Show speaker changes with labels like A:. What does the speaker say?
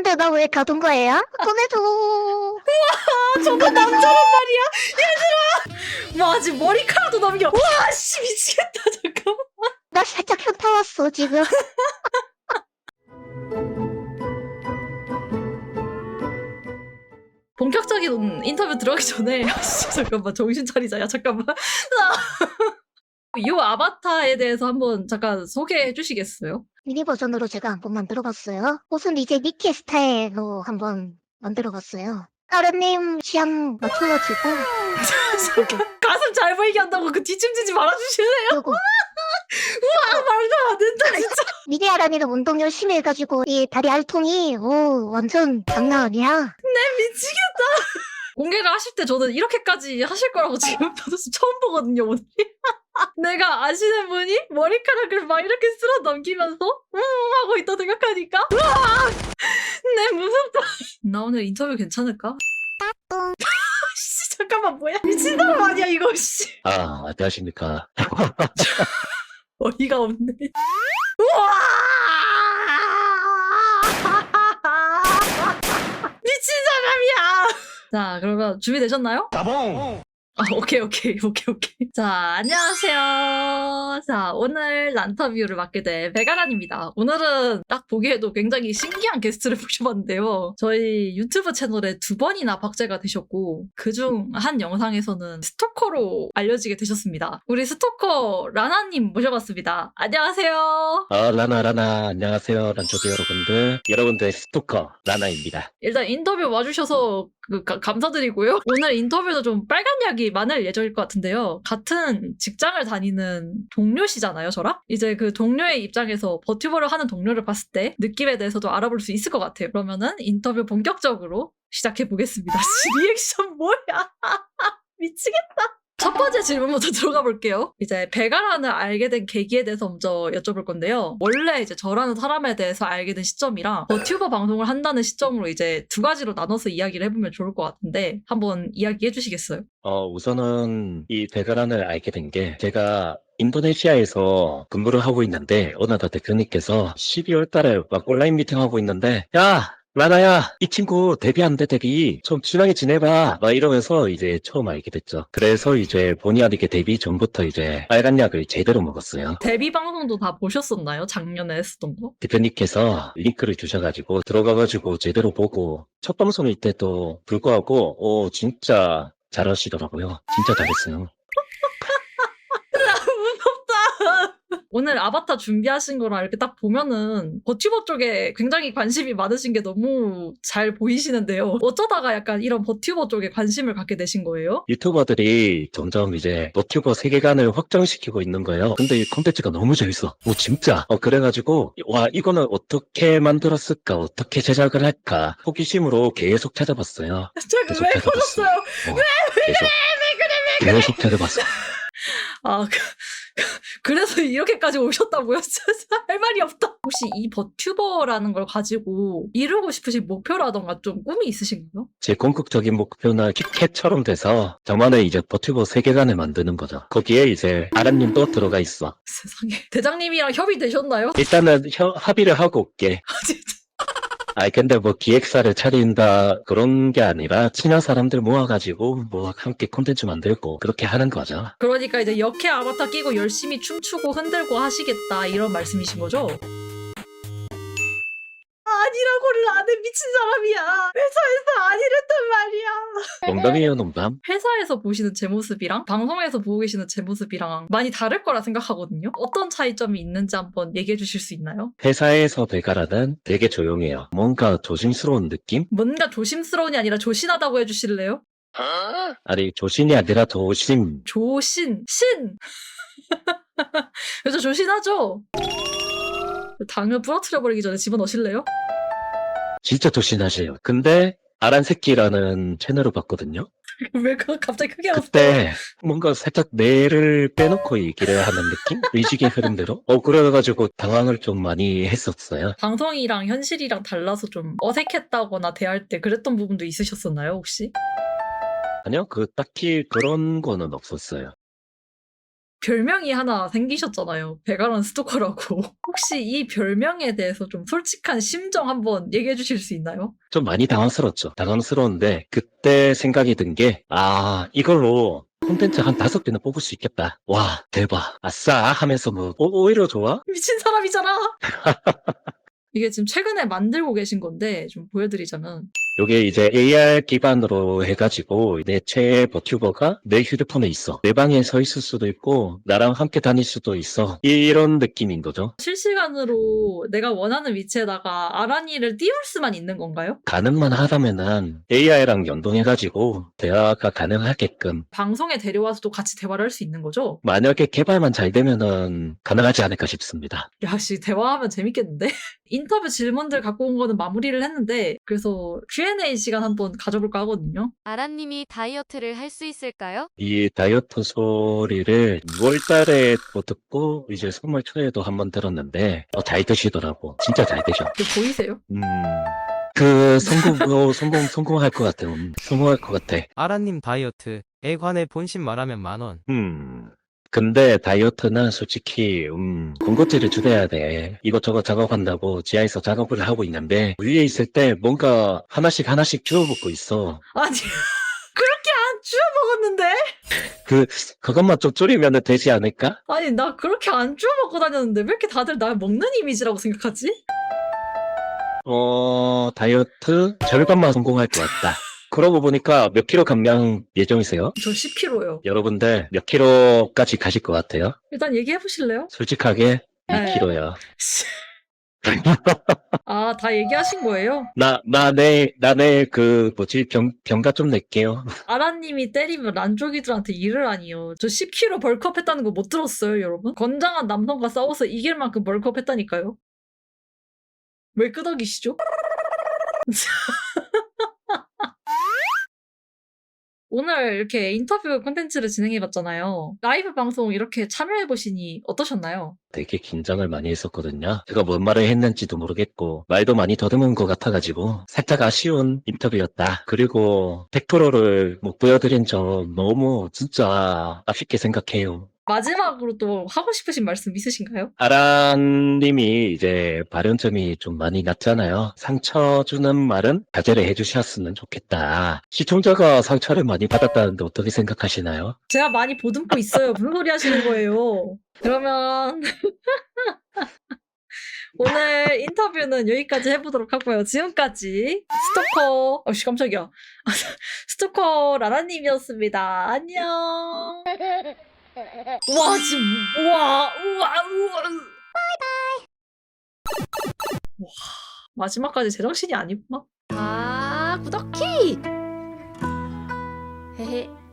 A: 근데 나 왜 가둔 거예요? 꺼내줘.
B: 저거 남자란 말이야. 얘들아. 와 아직 머리카락도 남겨. 와 씨 미치겠다. 잠깐만.
A: 나 살짝 현타 왔어, 지금.
B: 본격적인 인터뷰 들어가기 전에 씨, 잠깐만 정신 차리자. 야 잠깐만. 이 아바타에 대해서 한번 잠깐 소개해 주시겠어요?
A: 미니 버전으로 제가 한번 만들어봤어요. 옷은 이제 니키 스타일로 한번 만들어봤어요. 아르님 취향 맞춰가지고.
B: 가슴 잘 보이게 한다고 그 뒤춤지지 말아주실래요?
A: 그리고
B: 아 말도 안 된다 진짜.
A: 미니 아란이는 운동 열심히 해가지고 이 다리 알통이 완전 장난 아니야.
B: 미치겠다. 공개를 하실 때 저는 이렇게까지 하실 거라고 지금 처음 보거든요 오늘. 내가 아시는 분이 머리카락을 막 이렇게 쓸어 넘기면서 하고 있다 생각하니까 으아! 네 무섭다. 나 오늘 인터뷰 괜찮을까? 씨 잠깐만 뭐야 미친 사람 아니야 이거 씨.
C: 아, 안녕하십니까.
B: 어이가 없네. 우와! 미친 사람이야. 자 그러면 준비되셨나요?
C: 따봉!
B: 아, 오케이. 자, 안녕하세요. 자, 오늘 란터뷰를 맡게 된 배가란입니다. 오늘은 딱 보기에도 굉장히 신기한 게스트를 모셔봤는데요. 저희 유튜브 채널에 2번이나 박제가 되셨고, 그중 한 영상에서는 스토커로 알려지게 되셨습니다. 우리 스토커 라나님 모셔봤습니다. 안녕하세요.
C: 라나, 안녕하세요. 란초기 여러분들. 여러분들의 스토커, 라나입니다.
B: 일단 인터뷰 와주셔서 감사드리고요. 오늘 인터뷰도 좀 빨간 약이 많을 예정일 것 같은데요. 같은 직장을 다니는 동료시잖아요, 저랑? 이제 그 동료의 입장에서 버튜버를 하는 동료를 봤을 때 느낌에 대해서도 알아볼 수 있을 것 같아요. 그러면은 인터뷰 본격적으로 시작해보겠습니다. 리액션 뭐야? 미치겠다. 첫 번째 질문부터 들어가 볼게요. 이제 배가란을 알게 된 계기에 대해서 먼저 여쭤볼 건데요. 원래 이제 저라는 사람에 대해서 알게 된 시점이랑 버튜버 방송을 한다는 시점으로 이제 두 가지로 나눠서 이야기를 해보면 좋을 것 같은데 한번 이야기해 주시겠어요?
C: 우선은 이 베가란을 알게 된 게 제가 인도네시아에서 근무를 하고 있는데 어느 날 대표님께서 12월 달에 막 온라인 미팅 하고 있는데 야! 라나야, 이 친구 데뷔한대, 데뷔. 좀 친하게 지내봐. 막 이러면서 이제 처음 알게 됐죠. 그래서 이제 본의 아니게 데뷔 전부터 이제 빨간 약을 제대로 먹었어요.
B: 데뷔 방송도 다 보셨었나요? 작년에 했었던 거?
C: 대표님께서 링크를 주셔가지고 들어가가지고 제대로 보고 첫 방송일 때도 불구하고 진짜 잘하시더라고요. 진짜 잘했어요.
B: 무섭다. 오늘 아바타 준비하신 거랑 이렇게 딱 보면은 버튜버 쪽에 굉장히 관심이 많으신 게 너무 잘 보이시는데요. 어쩌다가 약간 이런 버튜버 쪽에 관심을 갖게 되신 거예요?
C: 유튜버들이 점점 이제 너튜버 세계관을 확장시키고 있는 거예요. 근데 이 콘텐츠가 너무 재밌어. 진짜. 그래가지고 와 이거는 어떻게 만들었을까? 어떻게 제작을 할까? 호기심으로 계속 찾아봤어요. 계속
B: 왜
C: 찾아봤어.
B: 보셨어요?
C: 계속 찾아봤어.
B: 아, 그래서 이렇게까지 오셨다고요? 진짜 할 말이 없다. 혹시 이 버튜버라는 걸 가지고 이루고 싶으신 목표라던가 좀 꿈이 있으신가요?
C: 제 궁극적인 목표는 kit캣처럼 돼서 저만의 이제 버튜버 세계관을 만드는 거죠. 거기에 이제 아란님도 들어가 있어.
B: 세상에. 대장님이랑 협의되셨나요?
C: 일단은 합의를 하고 올게.
B: 아, 진짜.
C: 근데 뭐 기획사를 차린다 그런 게 아니라 친한 사람들 모아가지고 뭐 함께 콘텐츠 만들고 그렇게 하는 거죠.
B: 그러니까 이제 역해 아바타 끼고 열심히 춤추고 흔들고 하시겠다 이런 말씀이신 거죠? 아니라고를 안 해 미친 사람이야. 회사에서 아니랬단 말이야.
C: 농담이에요, 농담.
B: 회사에서 보시는 제 모습이랑 방송에서 보고 계시는 제 모습이랑 많이 다를 거라 생각하거든요. 어떤 차이점이 있는지 한번 얘기해 주실 수 있나요?
C: 회사에서 베가라는 되게 조용해요. 뭔가 조심스러운 느낌?
B: 뭔가 조심스러운이 아니라 조신하다고 해주실래요?
C: 아니 조신이 아니라 조심.
B: 조신, 신! 그래서 조신하죠? 당을 부러뜨려버리기 전에 집어넣으실래요?
C: 진짜 조신하세요. 근데 아란새끼라는 채널을 봤거든요.
B: 왜 갑자기 크게 웃어?
C: 그때 뭔가 살짝 뇌를 빼놓고 얘기를 하는 느낌? 의식의 흐름대로? 그래가지고 당황을 좀 많이 했었어요.
B: 방송이랑 현실이랑 달라서 좀 어색했다거나 대할 때 그랬던 부분도 있으셨었나요, 혹시?
C: 아니요, 딱히 그런 거는 없었어요.
B: 별명이 하나 생기셨잖아요. 베가란 스토커라고. 혹시 이 별명에 대해서 좀 솔직한 심정 한번 얘기해 주실 수 있나요?
C: 좀 많이 당황스럽죠. 당황스러운데 그때 생각이 든 게 이걸로 콘텐츠 한 5개는 뽑을 수 있겠다. 와, 대박. 아싸 하면서 뭐 오히려 좋아?
B: 미친 사람이잖아. 이게 지금 최근에 만들고 계신 건데 좀 보여드리자면
C: 요게 이제 AR 기반으로 해가지고 내 최애 버튜버가 내 휴대폰에 있어. 내 방에 서 있을 수도 있고 나랑 함께 다닐 수도 있어. 이런 느낌인 거죠.
B: 실시간으로 내가 원하는 위치에다가 아란이를 띄울 수만 있는 건가요?
C: 가능만 하다면은 AI랑 연동해가지고 대화가 가능하게끔
B: 방송에 데려와서도 같이 대화를 할 수 있는 거죠?
C: 만약에 개발만 잘 되면은 가능하지 않을까 싶습니다.
B: 야씨 대화하면 재밌겠는데? 인터뷰 질문들 갖고 온 거는 마무리를 했는데 그래서 Q&A 시간 한번 가져볼까 하거든요.
D: 아란님이 다이어트를 할 수 있을까요?
C: 이 다이어트 소리를 6월 달에 또 듣고 이제 3월 초에도 한번 들었는데 잘 되시더라고. 진짜 잘 되셔.
B: 보이세요?
C: 성공할 것 같아. 성공할 것 같아.
E: 아란님 다이어트에 관해 본심 말하면 10,000원.
C: 근데 다이어트는 솔직히 군것질을 줄여야 돼. 이것저것 작업한다고 지하에서 작업을 하고 있는데 위에 있을 때 뭔가 하나씩 주워 먹고 있어.
B: 아니 그렇게 안 주워 먹었는데?
C: 그것만 좀 줄이면 되지 않을까?
B: 아니 나 그렇게 안 주워 먹고 다녔는데 왜 이렇게 다들 날 먹는 이미지라고 생각하지?
C: 다이어트 절반만 성공할 것 같다. 그러고 보니까 몇 킬로 감량 예정이세요?
B: 저 10kg요.
C: 여러분들 몇 킬로까지 가실 것 같아요?
B: 일단 얘기해 보실래요?
C: 솔직하게
B: 네.
C: 2킬로요.
B: 아, 다 얘기하신 거예요?
C: 내일 병가 좀 낼게요.
B: 아라님이 때리면 란쪽이들한테 일을 하니요. 저 10kg 벌크업 했다는 거 못 들었어요, 여러분? 건장한 남성과 싸워서 이길 만큼 벌크업 했다니까요. 왜 끄덕이시죠? 오늘 이렇게 인터뷰 콘텐츠를 진행해봤잖아요. 라이브 방송 이렇게 참여해보시니 어떠셨나요?
C: 되게 긴장을 많이 했었거든요. 제가 뭔 말을 했는지도 모르겠고 말도 많이 더듬은 것 같아가지고 살짝 아쉬운 인터뷰였다. 그리고 100%를 못 보여드린 점 너무 진짜 아쉽게 생각해요.
B: 마지막으로 또 하고 싶으신 말씀 있으신가요?
C: 아란님이 이제 발언점이 좀 많이 났잖아요. 상처 주는 말은 자제를 해주셨으면 좋겠다. 시청자가 상처를 많이 받았다는데 어떻게 생각하시나요?
B: 제가 많이 보듬고 있어요. 무슨 소리 하시는 거예요? 그러면 오늘 인터뷰는 여기까지 해보도록 하고요. 지금까지 스토커, 어씨 깜짝이야. 스토커 라라님이었습니다. 안녕. 와 지금 우와. 와 마지막까지 제정신이 아니구나. 구독키. 헤헤.